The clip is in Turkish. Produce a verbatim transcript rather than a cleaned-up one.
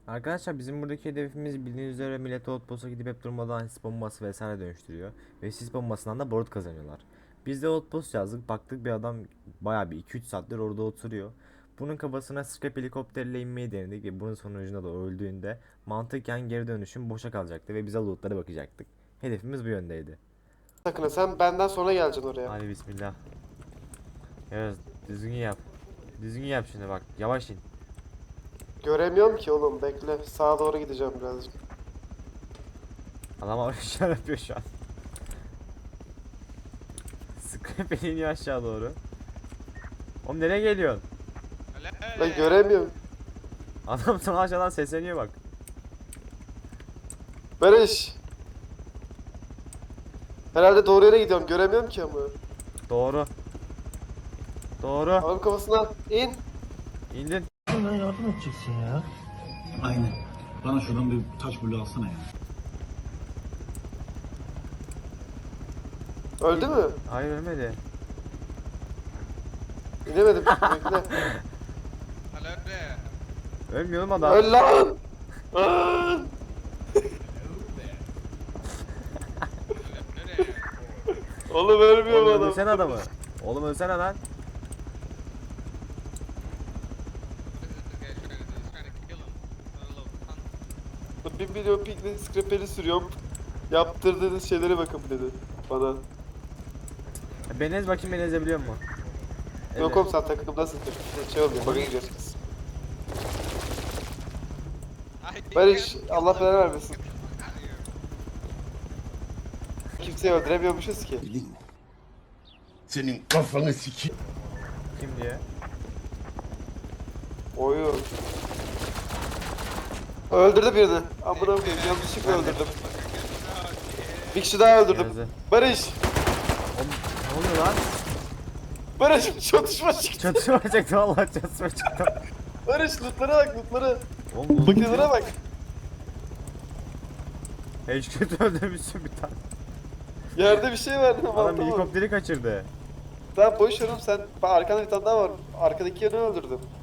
Arkadaşlar bizim buradaki hedefimiz bildiğiniz üzere millet outpost'a gidip hep durmadan sis bombası vesaire dönüştürüyor. Ve sis bombasından da borut kazanıyorlar. Biz de outpost yazdık, baktık bir adam bayağı bir iki üç saattir orada oturuyor. Bunun kafasına scrap helikopterle inmeyi denedik ve bunun sonucunda da öldüğünde mantıken geri dönüşüm boşa kalacaktı ve bize lootlara bakacaktık. Hedefimiz bu yöndeydi. Sakın ha, sen benden sonra geleceksin oraya. Hadi bismillah. Evet, düzgün yap. Düzgün yap şimdi bak, yavaş in. Göremiyorum ki oğlum, bekle. Sağa doğru gideceğim birazcık. Adam aşağı yapıyor şu an. Scrap iniyor aşağı doğru. Oğlum nereye geliyorsun? Ben göremiyorum. Adam sana aşağıdan sesleniyor bak. Barış. Herhalde doğru yere gidiyorum. Göremiyorum ki ama. Doğru. Doğru. Adam kafasına in. İndin. Bana yardım edeceksin ya. Aynen. Bana şuradan bir taş bulu alsana ya. Öldü mü? Hayır ölmedi. İnemedim. Bekle. Ölmüyor mu adam? Öl lan. Lan. Oğlum ölmüyor bu Oğlum adam. ölsene adamı. Oğlum ölsene lan. Bir milyon pikle scraperi sürüyorum. Yaptırdığınız şeylere bakın dedi bana. Beni ez bakayım, beni ezebiliyor mu? Yok oğlum, sen takımdasın. Şey olmuyor, bug'a gidiyorsunuz. Barış, Allah belanı vermesin. Kimseyi öldüremiyormuşuz ki. Senin kafanı sikeyim. Kim diye? Oyun. Öldürdü birini. Amına koyayım, yanlışlıkla öldürdüm. Bir kişi daha öldürdüm. Yazı. Barış! Oğlum ne oluyor lan? Barış, çatışma çıktı. Çatışma çıktı vallahi, çatışma çıktı. Barış, lootlara bak, lootlara. Oğlum bu Bakılara bak. hiç kötü öldürmüşsün bir tane. Yerde bir şey var. Adam Tamam, tamam. helikopteri kaçırdı. Tamam boş ver oğlum, sen. Bak, arkanda bir tane daha var. Arkadaki yanı öldürdüm.